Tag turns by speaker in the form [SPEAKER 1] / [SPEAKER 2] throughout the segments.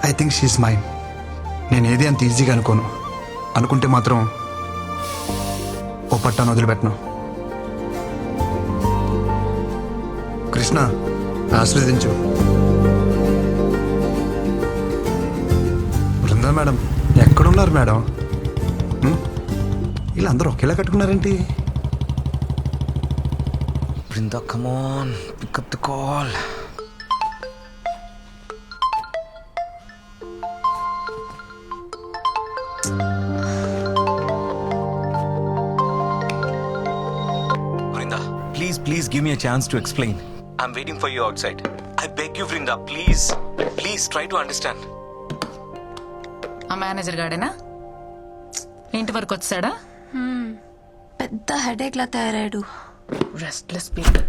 [SPEAKER 1] I think she's mine. నేను ఏది అంత ఈజీగా అనుకోను. అనుకుంటే మాత్రం ఓ పట్టాను వదిలిపెట్టను. కృష్ణ, ఆశీర్వదించు. బృందా మేడం ఎక్కడున్నారు మేడం? వీళ్ళందరూ ఒకేలా కట్టుకున్నారేంటి?
[SPEAKER 2] Brinda, come on, pick up the call. Vrinda, please give me a chance to explain. I'm waiting for you outside. I beg you, Vrinda, please try to understand.
[SPEAKER 3] ఆ మేనేజర్ గాడేనా ఇంటి వరకు వచ్చాడా?
[SPEAKER 4] పెద్ద హెడేక్ లా తయారాడు.
[SPEAKER 3] Restless people.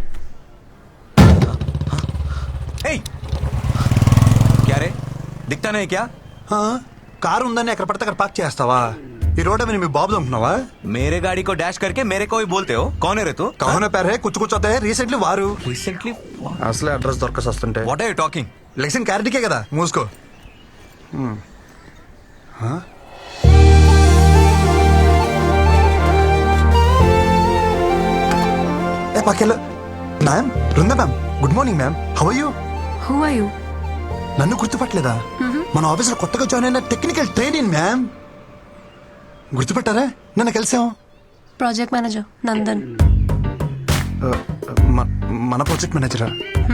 [SPEAKER 2] Hey! क्या रे? दिखता नहीं क्या?
[SPEAKER 1] కారు ఉందని ఎక్కడ పడితే అక్కడ పార్క్ చేస్తావా? ఈ రోడ్ మీద మీ బాబు అనుకున్నావా?
[SPEAKER 2] मेरे गाड़ी को डैश करके मेरे को ही बोलते हो. कौन है रे तू?
[SPEAKER 1] కౌన పేరే కూర్చోతే రీసెంట్లీ వారు
[SPEAKER 2] Recently?
[SPEAKER 1] అసలే అడ్రస్ దొరకసి వస్తుంటే
[SPEAKER 2] What are you talking?
[SPEAKER 1] లెక్షన్ క్యారెట్కే కదా, మూసుకో. ఏ పక్కెళ్ళు. Ma'am, Brinda ma'am, good morning ma'am. How are you?
[SPEAKER 4] Who are you?
[SPEAKER 1] నన్ను గుర్తుపట్టలేదా? మన ఆఫీసులో కొత్తగా జాయిన్ అయిన టెక్నికల్ ట్రైనింగ్ మ్యామ్. గుర్తుపట్టారా? నన్ను కలిసాం.
[SPEAKER 4] Project manager Nandan.
[SPEAKER 1] మన ప్రాజెక్ట్ మేనేజరా?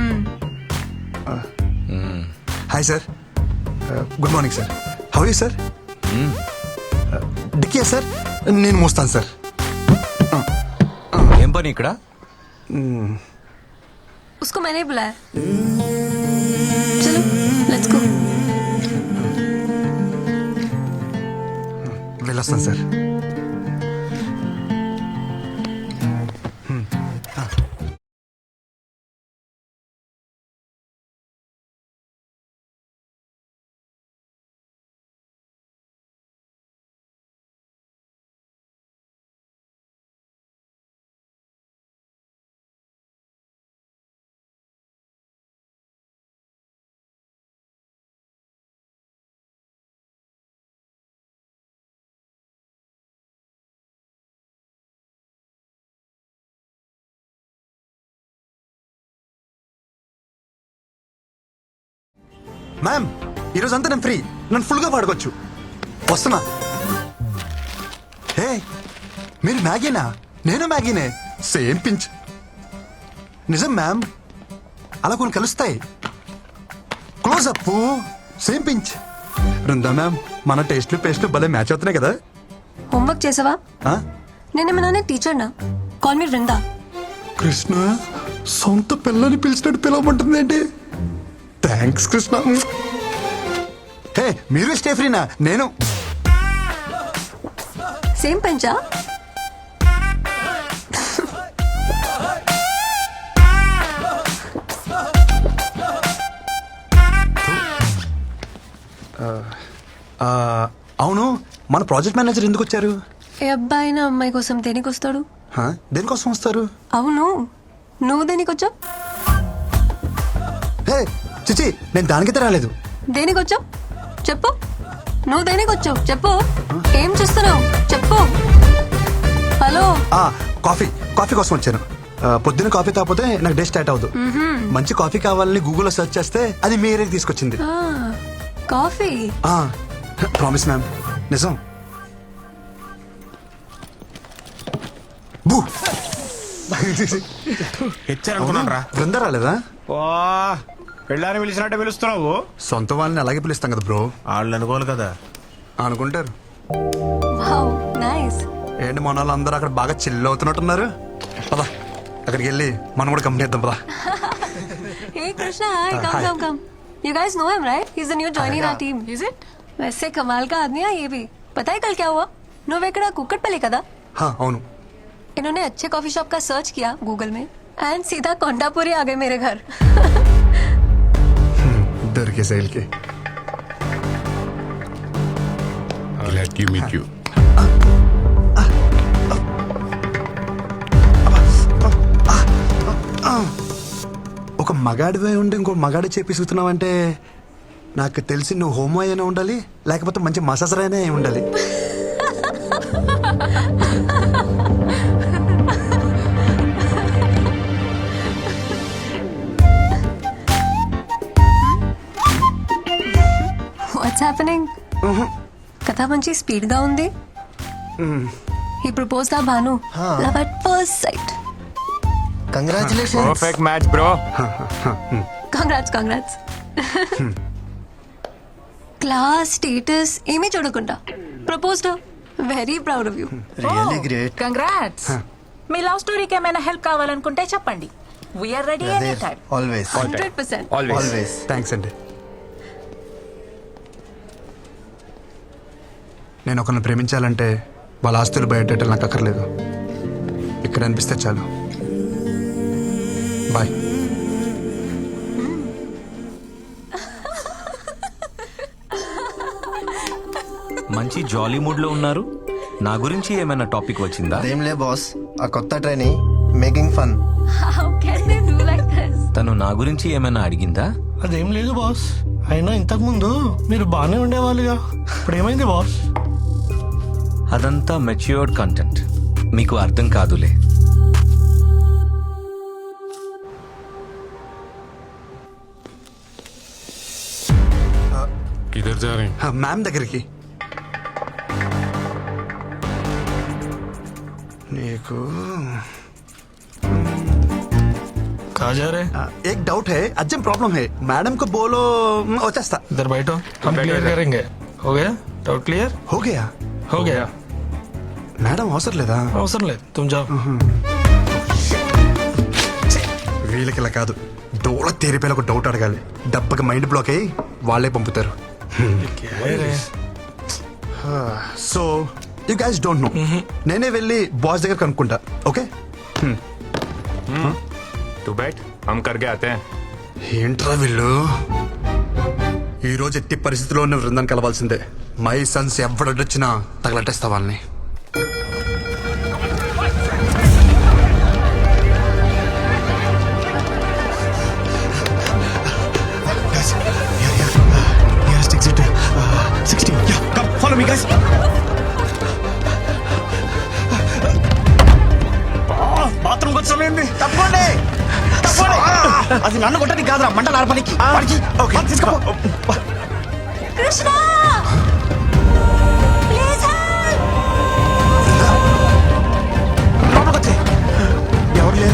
[SPEAKER 1] Hi sir, good morning sir. How you sir? డిక్కియా సార్, నేను మోస్తాను సార్.
[SPEAKER 2] ఏం పని ఇక్కడ?
[SPEAKER 4] उसको मैंने बुलाया. चलो लेट्स गो.
[SPEAKER 1] వెళ్ళొస్తాను సార్. మ్యామ్, ఈరోజు అంతా నేను ఫ్రీ. నన్ను ఫుల్గా పాడుకోవచ్చు. వస్తున్నా. హే, మీరు మ్యాగీనా? నేను మ్యాగీనే. Same pinch. నిజం మ్యామ్, అలా కొన్ని కలుస్తాయి. Close up, same pinch. Brinda ma'am, మన టేస్ట్లు పేస్ట్లు భలే మ్యాచ్ అవుతున్నాయి కదా.
[SPEAKER 4] హోంవర్క్ చేసావా?
[SPEAKER 1] ఆ?
[SPEAKER 4] నేనేమన్నా టీచర్ నా? Call me Vrinda.
[SPEAKER 1] కృష్ణ, సొంత పిల్లని పిలిచినట్టు పిలవమంటుంది ఏంటి? థ్యాంక్స్ కృష్ణ. హే, మీరు స్టే ఫ్రీనా? నేను
[SPEAKER 4] సేమ్ పంచా?
[SPEAKER 1] అవును, మన ప్రాజెక్ట్ మేనేజర్ ఎందుకు వచ్చారు?
[SPEAKER 4] ఏ అబ్బాయి నా అమ్మాయి కోసం దేనికి వస్తాడు?
[SPEAKER 1] దేనికోసం వస్తారు?
[SPEAKER 4] అవును, నువ్వు దేనికి వచ్చావు?
[SPEAKER 1] హే చిచి, నేను దానికైతే రాలేదు.
[SPEAKER 4] దేనికి వచ్చావు చెప్పు. నువ్వు దేనికి వచ్చావు చెప్పు. ఏం చేస్తున్నావు చెప్పు. హలో.
[SPEAKER 1] కాఫీ కోసం వచ్చాను. పొద్దున్న కాఫీ తాగిపోతే నాకు డే స్టార్ట్ అవ్వదు. మంచి కాఫీ కావాలని గూగుల్లో సెర్చ్ చేస్తే అది మీ ఏరియాకి తీసుకొచ్చింది.
[SPEAKER 4] కాఫీ?
[SPEAKER 1] ప్రామిస్ మ్యామ్, నిజం. బూ బృందా రాలేదా?
[SPEAKER 5] పెళ్ళాన్ని పిలిచినట్టే పిలుస్తున్నావు.
[SPEAKER 1] సొంత వాళ్ళని అలాగే పిలుస్తాం కదా బ్రో.
[SPEAKER 5] వాళ్ళు అనుకోవాలి కదా.
[SPEAKER 1] అనుకుంటారు.
[SPEAKER 4] Wow, nice.
[SPEAKER 1] ఏంటి మన వాళ్ళు అందరూ అక్కడ బాగా చిల్ అవుతున్నట్టున్నారు. పదా అక్కడికి వెళ్ళి మనం కూడా కంపెనీ ఇద్దాం. పదా.
[SPEAKER 4] Hey Krishna, hi. Come. You guys know him, right? He's the new joining our team. Is it? वैसे कमाल का आदमी है ये भी. पता है कल क्या हुआ? నువ్వెక్కడ కుక్కట్పల్లి కదా?
[SPEAKER 1] అవును.
[SPEAKER 4] इन्होंने अच्छे कॉफी शॉप का सर्च किया गूगल में एंड सीधा कोंडापुरी आ गए मेरे घर.
[SPEAKER 1] दरके सैल के.
[SPEAKER 5] Glad to meet you.
[SPEAKER 1] ఒక మగాడివే ఉండి ఇంకో మగాడి చేపిస్తున్నావంటే నాకు తెలిసి నువ్వు హోమో అయినా ఉండాలి, లేకపోతే మంచి మసాజర్ అయినా అయి ఉండాలి.
[SPEAKER 4] What's happening? కథ మంచి స్పీడ్ గా ఉంది. ఈ ప్రపోజ్ దా Bhanu love at first sight.
[SPEAKER 6] Congratulations.
[SPEAKER 7] Perfect match bro.
[SPEAKER 4] Congrats. Class status ఏమీ చూడకుండా proposed. Very proud of you.
[SPEAKER 6] Really great.
[SPEAKER 3] Congrats. మీ లవ్ స్టోరీకి ఏమైనా హెల్ప్ కావాలనుకుంటే చెప్పండి. We are ready any time.
[SPEAKER 6] Always
[SPEAKER 4] 100%.
[SPEAKER 6] Always.
[SPEAKER 1] Thanks అండి. నేను ఒకరిని ప్రేమించాలంటే వాళ్ళ ఆస్తులు బయటెట్టాలి, నాకు అక్కర్లేదు. ఇక్కడ అనిపిస్తే చాలు. బాయ్.
[SPEAKER 2] మంచి జాలీ మూడ్ లో ఉన్నారు. నా గురించి ఏమైనా టాపిక్ వచ్చిందా?
[SPEAKER 6] అదేంలే బాస్, ఆ కొత్త training making fun.
[SPEAKER 4] How can they do like this?
[SPEAKER 2] తను నా గురించి ఏమైనా అడిగిందా?
[SPEAKER 8] అదేం లేదు బాస్. అయినా ఇంతకు ముందు మీరు బాగానే ఉండేవాళ్ళుగా, ఇప్పుడు ఏమైంది బాస్?
[SPEAKER 2] అదంతా మెచ్యూర్డ్ కంటెంట్, మీకు అర్థం కాదులే.
[SPEAKER 5] किधर जा रहे हैं?
[SPEAKER 1] మ్యామ్ దగ్గరికి. నీకు
[SPEAKER 8] कहाँ जा रहे?
[SPEAKER 1] एक डाउट है, अर्जेंट प्रॉब्लम है. मैडम को बोलो వచ్చేస్తా.
[SPEAKER 8] इधर बैठो, हम क्लियर करेंगे. हो गया? Doubt clear?
[SPEAKER 1] हो गया.
[SPEAKER 8] हो गया.
[SPEAKER 1] మేడం అవసరం లేదా?
[SPEAKER 8] అవసరం లేదు, तुम जाओ.
[SPEAKER 1] వీళ్ళకి ఇలా కాదు, డోల తేరిపోయిన ఒక డౌట్ అడగాలి. దెబ్బకి మైండ్ బ్లాక్ అయ్యి వాళ్ళే పంపుతారు.
[SPEAKER 8] क्या है रे?
[SPEAKER 1] So you guys don't know. నేనే వెళ్ళి బాస్ దగ్గర కనుక్కుంటా. ఓకే?
[SPEAKER 7] तू बैठ, हम करके आते हैं.
[SPEAKER 1] ఏంట్రా వీళ్ళు? ఈ రోజు ఎట్టి పరిస్థితిలో ఉన్న బృందాన్ని కలవాల్సిందే. మై సన్స్ ఎవడొచ్చినా తగలట్టేస్తా వాళ్ళని.
[SPEAKER 5] బాత్రూమ్ వచ్చి తప్పండి. అది నన్ను కొట్టడానికి కాదురా, మంటలు ఆర్పడానికి. తీసుకో.
[SPEAKER 4] Krishna please help.
[SPEAKER 1] లోపలికి వచ్చే. ఎవరు లేరు.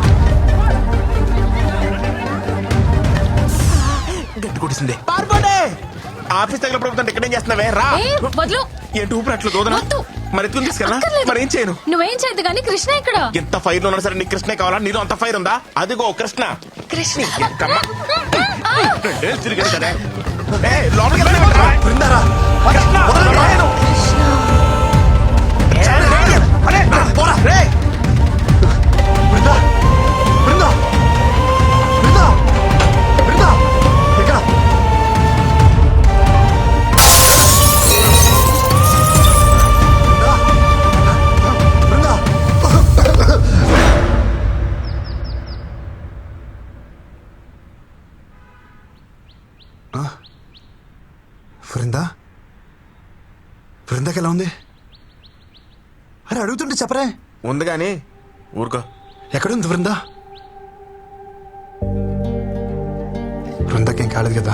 [SPEAKER 1] గట్టి కొట్టేసింది.
[SPEAKER 5] పారిపోండి. ఆఫీస్ దగ్గర ప్రభుత్వం ఇక్కడ ఏం చేస్తున్నావే? రా.
[SPEAKER 9] వదులు.
[SPEAKER 5] ఏంటి ఊపిరి అట్లు దూదనా?
[SPEAKER 9] వద్దు.
[SPEAKER 5] మరి ఎత్తుకుని తీసుకెళ్ళా? మరి ఏం చేయను?
[SPEAKER 9] నువ్వేం చేయద్దు కానీ కృష్ణ ఇక్కడ.
[SPEAKER 5] ఎంత ఫైర్ ఉన్నా సరే నీకు కృష్ణ కావాలా? నీలో అంత ఫైర్ ఉందా? అదిగో కృష్ణ.
[SPEAKER 9] కృష్ణ
[SPEAKER 5] ఎంతమ్మ. రెండేళ్ళు తిరిగాడు కదా. ఏయ్, లోపలికి వెళ్ళమంటావా?
[SPEAKER 1] బృందారా.
[SPEAKER 5] కృష్ణ, రాయను. అరే, పోరా. రేయ్.
[SPEAKER 1] బృందా, బృందా, బృందా, బృందా, ఎక్కడ? బృందా, బృందా, బృందాకి ఎలా ఉంది? అరే అడుగుతుంటే చెప్పరే.
[SPEAKER 5] ఉంది కానీ ఊరుకో.
[SPEAKER 1] ఎక్కడుంది బృందా? బృందాకేం కాలేదు కదా?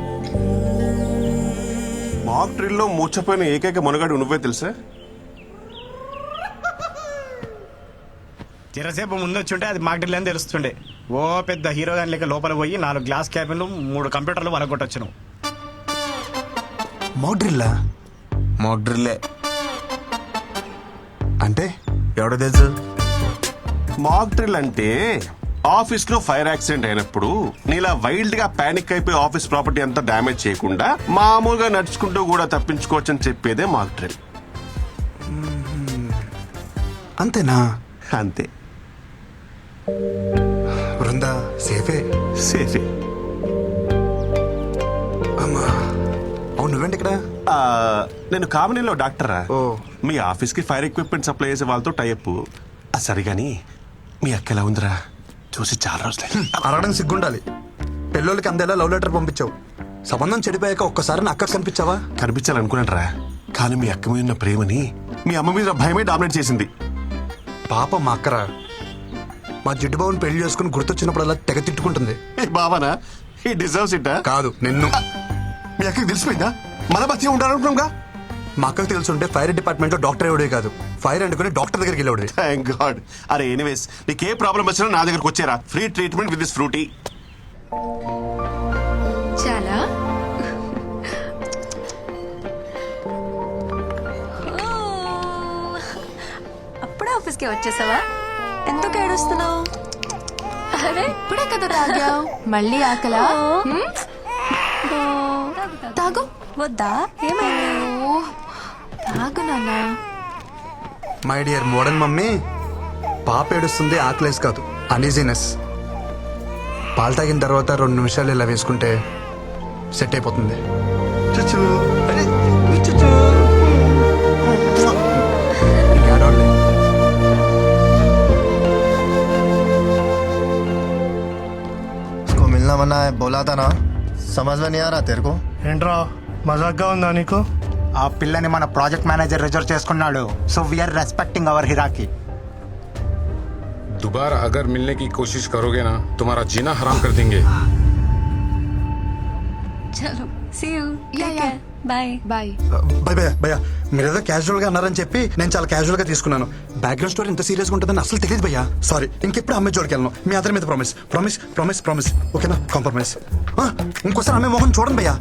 [SPEAKER 10] మాక్ డ్రిల్లో మూర్చపోయిన ఏకైక మనుగాడు నువ్వే తెలుసా?
[SPEAKER 5] చిరసేపు ముందు వచ్చి ఉంటే అది మాకు అని తెలుస్తుండే. ఓ పెద్ద హీరో గాని లేక లోపల పోయి 4 గ్లాస్ క్యాబిన్లు 3 కంప్యూటర్లు వలగొట్టొచ్చు నువ్వు.
[SPEAKER 1] మోడ్రిల్లా
[SPEAKER 2] మాక్ డ్రిల్లే.
[SPEAKER 1] అంటే
[SPEAKER 2] ఎవడో తెలుసు?
[SPEAKER 10] మాక్ డ్రిల్ అంటే ఆఫీస్ లో ఫైర్ యాక్సిడెంట్ అయినప్పుడు నీలా వైల్డ్ గా పానిక్ అయిపోయి ఆఫీస్ ప్రాపర్టీ అంతా డ్యామేజ్ చేయకుండా మామూలుగా నడుచుకుంటూ కూడా తప్పించుకోవచ్చు అని చెప్పేదే మాక్ డ్రిల్.
[SPEAKER 1] అంతేనా?
[SPEAKER 10] అంతే.
[SPEAKER 1] బృందా సేఫే.
[SPEAKER 10] సేఫే.
[SPEAKER 1] అమ్మా, అవును నువ్వేంటి ఇక్కడ?
[SPEAKER 10] నేను కామినీలో డాక్టరా.
[SPEAKER 1] ఓ.
[SPEAKER 10] మీ ఆఫీస్ కి ఫైర్ ఎక్విప్మెంట్ సప్లై చేసే వాళ్ళతో టైప్. సరిగాని మీ అక్క ఎలా ఉందిరా? చూసి చాలా రోజులే.
[SPEAKER 1] అరగడం సిగ్గుండాలి. పెళ్ళోళ్ళకి అందేలా లవ్ లెటర్ పంపించావు. సంబంధం చెడిపోయాక ఒక్కసారి నా అక్క కనిపించావా?
[SPEAKER 10] కనిపించాలనుకున్నారా, కానీ మీ అక్క మీద ఉన్న ప్రేమని మీ అమ్మ మీద భయమే డామినేట్ చేసింది.
[SPEAKER 1] పాప మా అక్కరా, మా జిడ్డు బాబుని పెళ్లి చేసుకుని గుర్తొచ్చినప్పుడల్లా తెగ తిట్టుకుంటుంది.
[SPEAKER 10] ఏ బావనా, ఈ డిజర్వ్స్ ఇట్.
[SPEAKER 1] కాదు నిన్ను.
[SPEAKER 10] మీ అక్కకి తెలిసిపోయిందా మన బతికే ఉంటారనుకున్నాగా?
[SPEAKER 1] మా అక్కకు తెలుసుంటే ఫైర్ డిపార్ట్మెంట్ లో డాక్టర్ ఎవడే కాదు, ఫైర్ అంటుకుని డాక్టర్ దగ్గరికి వెళ్ళేవాడు.
[SPEAKER 10] Thank God. అరే ఎనీవేస్, నీకు ఏ ప్రాబ్లం వచ్చినా నా దగ్గరకు వచ్చేరా. Free treatment with this Frooti.
[SPEAKER 9] చాలా
[SPEAKER 4] అప్పుడే ఆఫీస్కి వచ్చేసావా? ఎందుకు ఏడుస్తున్నావు?
[SPEAKER 9] అరే ఇప్పుడే కదా తాగావు, మళ్ళీ ఆకలా? తాగు.
[SPEAKER 4] వద్దా? ఏమైంది?
[SPEAKER 9] ఓ, తాగు నాన్న.
[SPEAKER 1] మై డియర్ మోడర్న్ మమ్మీ, పాప ఏడుస్తుంది ఆకలేసి కాదు, అనీజీనెస్. పాలు తాగిన తర్వాత 2 నిమిషాలు ఇలా వేసుకుంటే సెట్ అయిపోతుంది. చుచ్చు. అరే, చుచ్చు. ఇంకేడోళ్ళే.
[SPEAKER 6] इसको मिलना मना है, बोला था ना. समझ में नहीं आ रहा तेरे को?
[SPEAKER 8] ఏంట్రా మజాక్గా ఉందా నీకు?
[SPEAKER 5] ఆ పిల్లని మన ప్రాజెక్ట్ మేనేజర్ రిజర్వ్ చేసుకున్నాడు. సో వీఆర్ రెస్పెక్టింగ్ అవర్ హిరాకి.
[SPEAKER 7] दोबारा अगर मिलने की कोशिश करोगे ना, तुम्हारा जीना हराम कर देंगे.
[SPEAKER 4] చలో see you.
[SPEAKER 9] Yeah, yeah.
[SPEAKER 4] Bye.
[SPEAKER 9] Bye.
[SPEAKER 1] భయ భయ భయ, మీరేదో క్యాజువల్ గా అన్నారని చెప్పి నేను చాలా క్యాజువల్ గా తీసుకున్నాను. బ్యాక్గ్రౌండ్ స్టోరీ ఇంత సీరియస్ గా ఉంటుందని అసలు తెలియదు భయ్యా. సారీ, ఇంకెప్పుడు అమ్మాయి జోడికి వెళ్ళను. మీ అందరి మీద ప్రామిస్ ప్రామిస్ ప్రామిస్ ప్రామిస్. ఓకేనా? కాంప్రమైజ్. ఇంకోసారి అమ్మాయి మొహం చూడండి భయ్యా.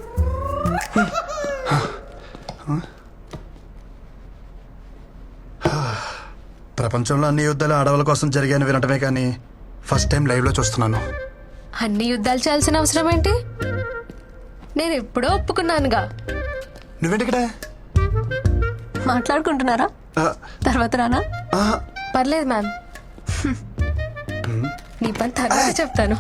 [SPEAKER 1] ప్రపంచంలో అన్ని యుద్ధాలు ఆడవాళ్ళ కోసం జరిగాయని వినటమే కానీ ఫస్ట్ టైం లైవ్ లో చూస్తున్నాను.
[SPEAKER 9] అన్ని యుద్ధాలు చేయాల్సిన అవసరం ఏంటి? నేను ఎప్పుడో ఒప్పుకున్నానుగా.
[SPEAKER 1] నువ్వేంటిక్కడ?
[SPEAKER 4] మాట్లాడుకుంటున్నారా? తర్వాత రానా?
[SPEAKER 9] పర్లేదు మ్యామ్, నీ పని తర్వాత చెప్తాను.